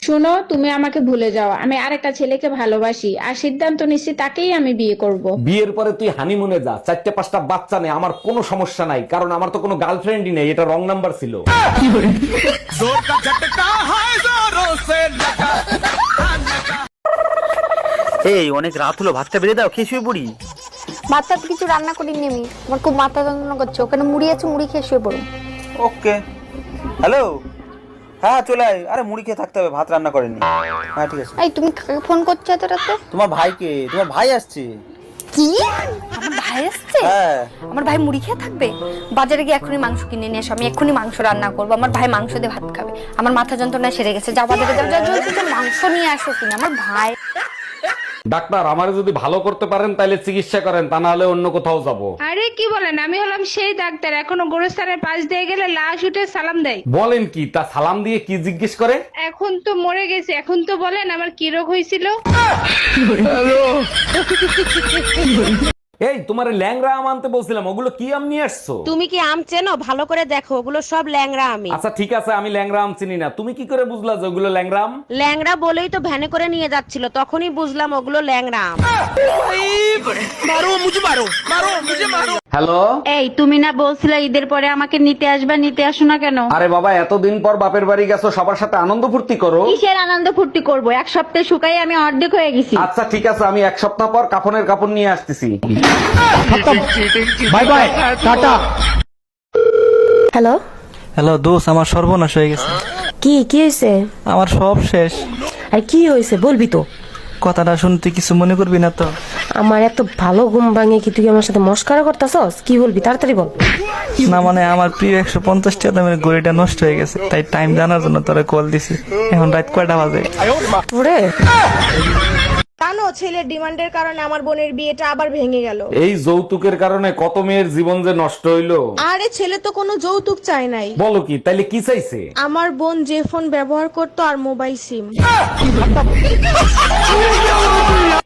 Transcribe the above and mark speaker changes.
Speaker 1: শোনো, তুমি আমাকে ভুলে যাও। আমি আরেকটা ছেলেকে ভালোবাসি আর সিদ্ধান্ত নিচ্ছি তাকেই আমি বিয়ে করব।
Speaker 2: বিয়ের পরে তুই হানিমুনে যা, 4-5টা বাচ্চা নেই, আমার কোনো সমস্যা নাই, কারণ আমার তো কোনো গার্লফ্রেন্ডই নেই, এটা রং নাম্বার ছিল।
Speaker 3: এই অনেক রাত হলো, ভাতটা বেড়ে দাও, খেয়ে শুয়ে পড়ি।
Speaker 4: ভাতটা তো কিছু রান্না করিনি আমি, আমার খুব মাথা যন্ত্রণা করছে। ওখানে মুড়ি আছে, মুড়ি খেয়ে শুয়ে পড়ো।
Speaker 3: ওকে। হ্যালো, হ্যাঁ চলে আয়। আরে মুড়ি খেয়ে থাকতে হবে, ভাত রান্না করেনি। হ্যাঁ ঠিক আছে।
Speaker 4: এই তুমি কাকে ফোন করছো এত রাতে?
Speaker 3: তোমার ভাইকে, তোমার ভাই আসছে।
Speaker 4: কি? আমার ভাই আসছে?
Speaker 3: হ্যাঁ।
Speaker 4: আমার ভাই মুড়ি খেয়ে থাকবে? বাজারে গিয়ে এখনই মাংস কিনে নিয়ে এসো, আমি এক্ষুনি মাংস রান্না করবো। আমার ভাই মাংস দিয়ে ভাত খাবে। আমার মাথা যন্ত্রণা সেরে গেছে, যাও বাজারে যাও, যাও জলদি যাও, মাংস নিয়ে আসো কিনা। আমার ভাই
Speaker 2: ডাক্তার, আমারে যদি ভালো করতে পারেন তাহলে চিকিৎসা করেন, তা না হলে অন্য কোথাও যাব।
Speaker 1: আরে কি বলেন, আমি হলাম সেই ডাক্তার, এখনো গোরস্থানের পাশ দিয়ে গেলে লাশ উঠে সালাম দেয়।
Speaker 2: বলেন কি? তা সালাম দিয়ে কি জিজ্ঞেস করে?
Speaker 1: এখন তো মরে গেছে, এখন তো বলেন আমার কি রোগ হয়েছিল।
Speaker 2: এই তোমারে ল্যাংড়া আম আনতে বলছিলাম, ওগুলো কি আম নিয়ে আসছো?
Speaker 5: তুমি কি আম চেনো? ভালো করে দেখো, ওগুলো সব ল্যাংড়া আমি।
Speaker 2: আচ্ছা ঠিক আছে, আমি ল্যাংড়া আম চিনি না, তুমি কি করে বুঝলা যে ওগুলো ল্যাংড়া আম?
Speaker 5: ল্যাংড়া বলেই তো ভ্যানে করে নিয়ে যাচ্ছিল, তখনই বুঝলাম ওগুলো ল্যাংড়া আম।
Speaker 2: হ্যালো।
Speaker 6: এই তুমি না বলছিলে ঈদের পরে আমাকে নিতে আসবা, নিতে আসো না কেন?
Speaker 2: আরে বাবা, এতদিন পর বাপের বাড়ি গেছো, সবার সাথে আনন্দ ফুর্তি করো।
Speaker 6: কিসের আনন্দ ফুর্তি করবো? এক সপ্তাহে শুকাই আমি অর্ধেক হয়ে গেছি।
Speaker 2: আচ্ছা ঠিক আছে, আমি 1 সপ্তাহ পর কাফনের কাপড় নিয়ে আসতেছি। Bye bye, tata.
Speaker 7: Hello,
Speaker 8: hello দোষ, আমার সর্বনাশ হয়ে গেছে।
Speaker 7: কি কি হয়েছে?
Speaker 8: আমার সব শেষ।
Speaker 7: আর কি হয়েছে বলবি তো?
Speaker 8: কথাটা শুনতে কিছু মনে করবি না তো?
Speaker 7: আমার এত ভালো ঘুম ভাঙে কি তুই আমার সাথে মস্কারা করতেছস? কি বলবি তাড়াতাড়ি বল।
Speaker 8: না মানে আমার প্রিয় 150 টাকা দামের ঘড়িটা নষ্ট হয়ে গেছে, তাই টাইম জানার জন্য তোরা কল দিছি। এখন রাত কয়টা বাজে?
Speaker 7: ওরে
Speaker 9: জানো, ছেলের ডিমান্ডের কারণে আমার বোনের বিয়েটা আবার ভেঙে গেল।
Speaker 2: এই যৌতুকের কারণে কত মেয়ের জীবন যে নষ্ট হইলো।
Speaker 9: আরে ছেলে তো কোনো যৌতুক চায় নাই।
Speaker 2: বলো কি? তাইলে কি চাইছে?
Speaker 9: আমার বোন যে ফোন ব্যবহার করতো আর মোবাইল সিম।